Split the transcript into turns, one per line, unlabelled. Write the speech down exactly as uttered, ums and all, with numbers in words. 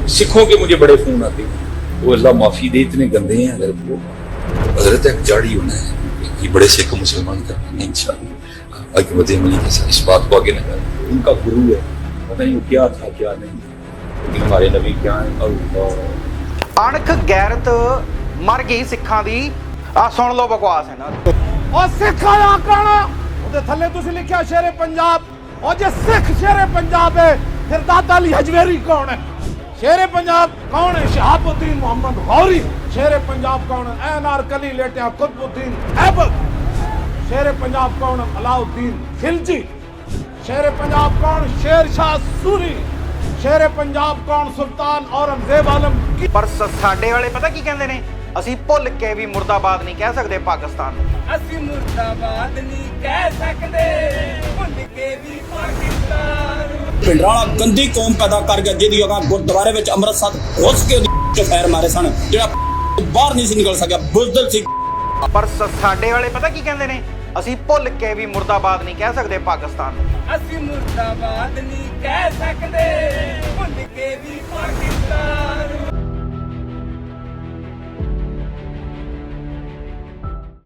सिखों के मुझे बड़े फोन आते हैं, वो अल्लाह माफी दे इतने गंदे हैं। अगर वो हजरत एक जाड़ी होना है कि बड़े सिख मुसलमान करना है इंशाअल्लाह। आगे बढ़े मनी के साथ इस बात को आगे न करें। उनका गुरु है, पता नहीं क्या था क्या नहीं, लेकिन हमारे नबी क्या है। अल्लाह
अणख गैरत मर गई सिखां दी। आ सुन लो बकवास है ना।
और सिख आया काना ਉਹਦੇ ਥੱਲੇ ਤੁਸੀਂ ਲਿਖਿਆ ਸ਼ੇਰੇ ਪੰਜਾਬ। और जे सिख शेरे पंजाब है फिर दादा अली हजवेरी कौन है? शेरे पंजाब कौन है? शहाबुद्दीन मोहम्मद गौरी। शेरे पंजाब कौन है? अनारकली लेटिया कुतुबुद्दीन ऐबक। शेरे पंजाब कौन है? अलाउद्दीन खिलजी। शेरे पंजाब कौन? शेर शाह सूरी। शेरे पंजाब कौन? सुल्तान औरंगजेब आलम की।
पर ਸਾਡੇ ਵਾਲੇ ਪਤਾ ਕੀ ਕਹਿੰਦੇ ਨੇ? ਅਸੀਂ ਭੁੱਲ ਕੇ ਵੀ ਮੁਰਦਾਬਾਦ ਨਹੀਂ ਕਹਿ ਸਕਦੇ ਪਾਕਿਸਤਾਨ ਨੂੰ।
ਅਸੀਂ ਮੁਰਦਾਬਾਦ ਨਹੀਂ ਕਹਿ ਸਕਦੇ, ਭੁੱਲ ਕੇ ਵੀ ਪਾਕਿਸਤਾਨ ਨੂੰ।
ਪਿੰਡਰਾਲਾ ਗੰਦੀ ਕੌਮ ਪੈਦਾ ਕਰ ਗਿਆ ਜਿਹਦੀ ਅਗਾ ਗੁਰਦੁਆਰੇ ਵਿੱਚ ਅੰਮ੍ਰਿਤਸਰ ਘੁਸ ਕੇ ਉਹਦੀ ਫੈਰ ਮਾਰੇ ਸਨ, ਜਿਹੜਾ ਬਾਹਰ ਨਹੀਂ ਸੀ ਨਿਕਲ ਸਕਿਆ, ਬੁਜ਼ਦਲ ਸੀ।
ਪਰ ਸਾਡੇ ਵਾਲੇ ਪਤਾ ਕੀ ਕਹਿੰਦੇ ਨੇ? ਅਸੀਂ ਭੁੱਲ ਕੇ ਵੀ ਮੁਰਦਾਬਾਦ ਨਹੀਂ ਕਹਿ ਸਕਦੇ ਪਾਕਿਸਤਾਨ ਨੂੰ।
ਅਸੀਂ ਮੁਰਦਾਬਾਦ ਨਹੀਂ ਕਹਿ ਸਕਦੇ, ਭੁੱਲ ਕੇ ਵੀ ਪਾਕਿਸਤਾਨ